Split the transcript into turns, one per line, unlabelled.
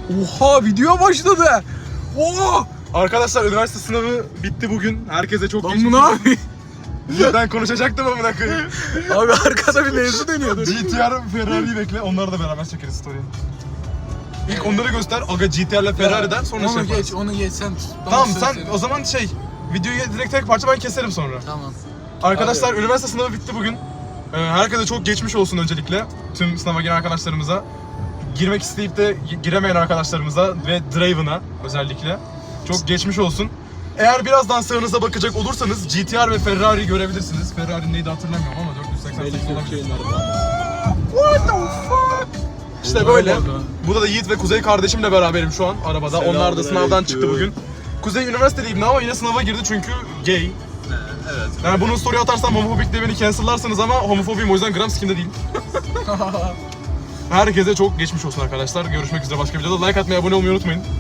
Oha video başladı. Oo!
Arkadaşlar üniversite sınavı bitti bugün. Herkese çok
Lan
geçmiş
bu ne
olsun.
abi?
Ben konuşacaktım amına koyayım.
Abi arkada bir mevzu dönüyordu.
GTR Ferrari'yi bekle. Onları da beraber çekeriz story'e. İlk onları göster. Aga GTR ile Ferrari'den sonra
onu
şey
geç,
yaparız.
onu geç sen. Bana
Tamam
söz
sen
söyle.
o zaman videoyu direkt tek parça ben keserim sonra.
Tamam.
Arkadaşlar üniversite sınavı bitti bugün. Herkese çok geçmiş olsun öncelikle. Tüm sınava giren arkadaşlarımıza. Girmek isteyip de giremeyen arkadaşlarımıza ve Draven'a özellikle. Çok geçmiş olsun. Eğer birazdan sağınıza bakacak olursanız GTR ve Ferrari'yi görebilirsiniz. Ferrari neydi hatırlamıyorum ama 488 olabilir. What the fuck? İşte böyle. Burada da Yiğit ve Kuzey kardeşimle beraberim şu an arabada. Onlar da sınavdan çıktı bugün. Kuzey üniversitedeyim ama yine sınava girdi çünkü gay.
Evet.
Yani bunu story atarsam homofobik diye beni cancellarsınız ama homofobiyim o yüzden gram sikimde değil. Herkese çok geçmiş olsun arkadaşlar. Görüşmek üzere başka videoda. Like atmayı, abone olmayı unutmayın.